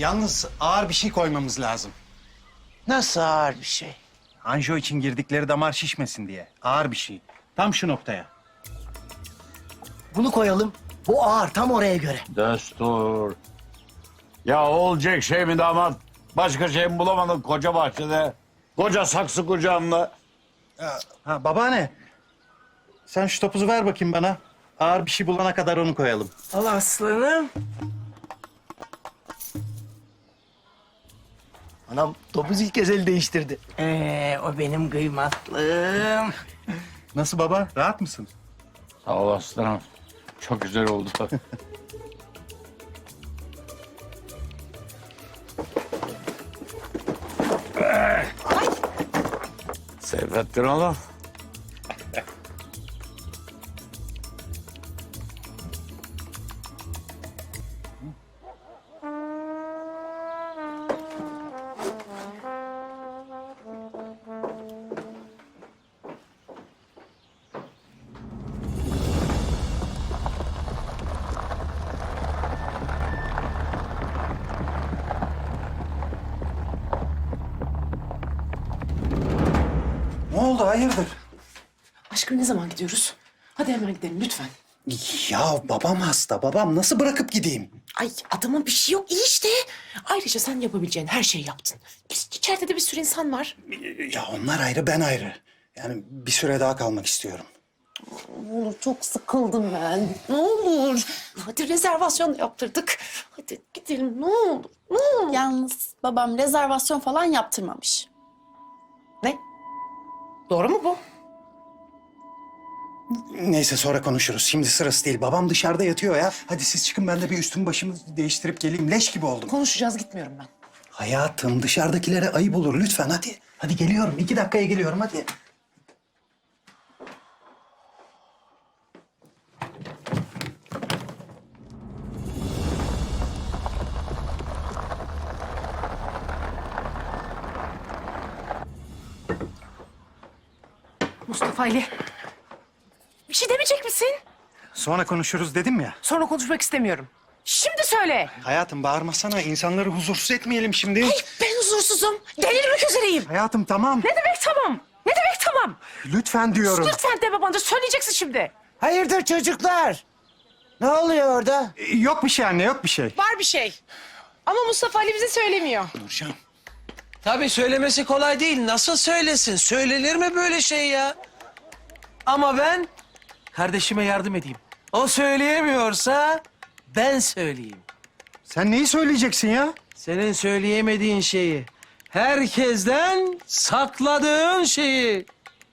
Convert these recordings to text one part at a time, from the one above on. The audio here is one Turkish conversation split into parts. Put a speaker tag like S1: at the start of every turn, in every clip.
S1: Yalnız ağır bir şey koymamız lazım.
S2: Nasıl ağır bir şey?
S1: Anjiyo için girdikleri damar şişmesin diye. Ağır bir şey. Tam şu noktaya.
S2: Bunu koyalım. Bu ağır tam oraya göre.
S3: Destur. Ya olacak şey mi damat? Başka şey mi bulamadın koca bahçede? Koca saksı kucağında.
S1: Ha babaanne. Sen şu topuzu ver bakayım bana. Ağır bir şey bulana kadar onu koyalım.
S2: Al aslanım. Anam topuz ilk kez el değiştirdi. O benim kıymatlım.
S1: Nasıl baba? Rahat mısın?
S3: Sağ ol aslanım. Çok güzel oldu. Seyfettin oğlum.
S1: Ne oldu? Hayırdır?
S4: Aşkım ne zaman gidiyoruz? Hadi hemen gidelim lütfen.
S1: Ya babam hasta. Babam nasıl bırakıp gideyim?
S4: Ay adamın bir şey yok iyi işte. Ayrıca sen yapabileceğin her şeyi yaptın. İçeride de bir sürü insan var.
S1: Ya onlar ayrı, ben ayrı. Yani bir süre daha kalmak istiyorum.
S4: Ne olur çok sıkıldım ben. Ne olur. Hadi rezervasyon yaptırdık. Hadi gidelim ne olur. Ne olur.
S5: Yalnız babam rezervasyon falan yaptırmamış.
S4: Ne? Doğru mu bu?
S1: Neyse sonra konuşuruz. Şimdi sırası değil. Babam dışarıda yatıyor ya. Hadi siz çıkın, ben de bir üstümü başımı değiştirip geleyim. Leş gibi oldum.
S4: Konuşacağız gitmiyorum ben.
S1: Hayatım, dışarıdakilere ayıp olur lütfen hadi. Hadi geliyorum. 2 dakikaya geliyorum hadi.
S4: Mustafa Ali. Bir şey demeyecek misin?
S1: Sonra konuşuruz dedim ya.
S4: Sonra konuşmak istemiyorum. Şimdi söyle.
S1: Hayatım bağırmasana. İnsanları huzursuz etmeyelim şimdi.
S4: Ben huzursuzum. Delirmek üzereyim.
S1: Hayatım tamam.
S4: Ne demek tamam? Ne demek tamam?
S1: Lütfen diyorum.
S4: Lütfen deme bana. Söyleyeceksin şimdi.
S2: Hayırdır çocuklar? Ne oluyor orada?
S1: Yok bir şey anne, yok bir şey.
S6: Var bir şey. Ama Mustafa Ali bize söylemiyor.
S1: Nurcan.
S7: Tabii söylemesi kolay değil. Nasıl söylesin? Söylenir mi böyle şey ya? Ama ben kardeşime yardım edeyim. O söyleyemiyorsa ben söyleyeyim.
S1: Sen neyi söyleyeceksin ya?
S7: Senin söyleyemediğin şeyi, herkesten sakladığın şeyi.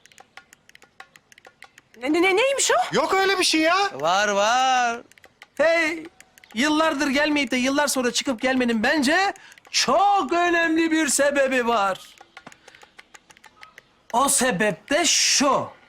S4: Neymiş o?
S1: Yok öyle bir şey ya.
S7: Var var. Hey, yıllardır gelmeyip de yıllar sonra çıkıp gelmenin bence çok önemli bir sebebi var. O sebep de şu.